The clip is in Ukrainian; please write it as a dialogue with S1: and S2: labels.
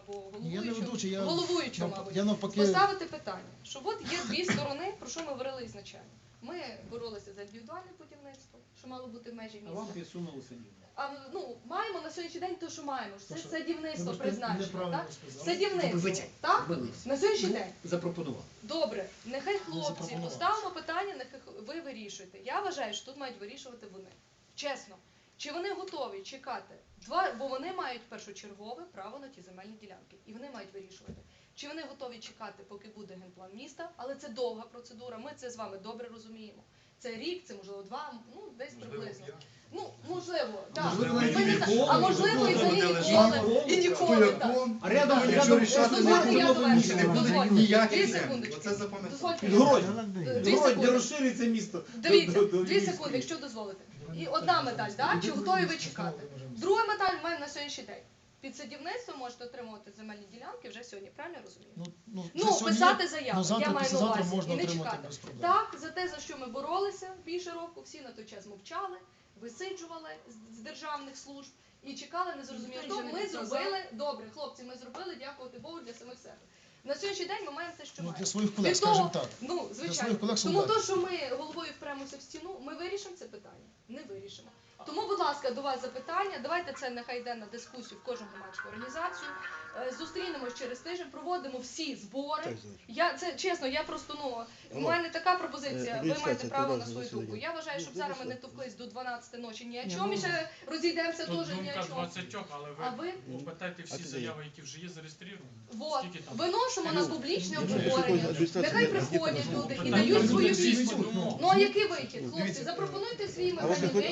S1: або
S2: Я не ведучий, я
S1: головуючому, мабуть,
S2: навпаки...
S1: поставити питання, що от є дві сторони, про що ми говорили ізначально. Ми боролися за індивідуальне будівництво, що мало бути в межі міста.
S3: А вам підсунули садівництво.
S1: Маємо на сьогоднішній день те, що маємо. Це садівництво
S2: Ви
S1: призначено, так?
S2: сказали.
S1: Садівництво, так? На сьогоднішній день.
S3: Запропонував.
S1: Добре, нехай хлопці,
S2: запропонував.
S1: поставимо питання, нехай ви вирішуєте. Я вважаю, що тут мають вирішувати вони. Чесно. Чи вони готові чекати? Бо вони мають першочергове право на ті земельні ділянки. І вони мають вирішувати. Чи вони готові чекати, поки буде генплан міста, але це довга процедура, ми це з вами добре розуміємо. Це рік, це можливо 2, десь приблизно. Можливо, так. А можливо і взагалі ніколи, так.
S3: А рядом
S1: Дозвольте, я довершу.
S3: ніяких
S1: 2
S3: землі.
S1: секундочки.
S3: Оце запам'ятайте.
S1: Дозвольте.
S4: Гродь, де розширюється місто.
S1: Дивіться, 2 секунди, якщо дозволите. І одна медаль, так? Чи готові ви чекати? Друга медаль маємо на сьогоднішній день. Під садівництво можете отримувати земельні ділянки вже сьогодні, правильно я розумію? Писати заяву, я маю на увазі, і не чекати. Так, за те, за що ми боролися більше року, всі на той час мовчали, висиджували з державних служб і чекали, не зрозуміло. То ми зробили, добре, хлопці, ми зробили, дякувати Богу, для самих себе. На сьогоднішній день ми маємо те, що маємо.
S2: Для своїх колег, скажімо так.
S1: Звичайно. Тому то, що ми головою впремося в стіну, ми вирішимо це питання? Не вирішимо. Тому, будь ласка, до вас запитання. Давайте це нехай йде на дискусію в кожну громадську організацію. Зустрінемось через тиждень, проводимо всі збори. Чесно, я просто, у мене така пропозиція, ви маєте право на свою думку. Я вважаю, щоб зараз ми не товклись до 12 ночі ні о чому, і ще розійдемося теж ні о чому.
S5: 20, але ви попитайте всі заяви, які вже є зареєстровані.
S1: Виносимо на публічне обговорення. Нехай приходять люди і дають свою відповідь. Ну а який вихід? Хлопці, запропонуйте свій механізм.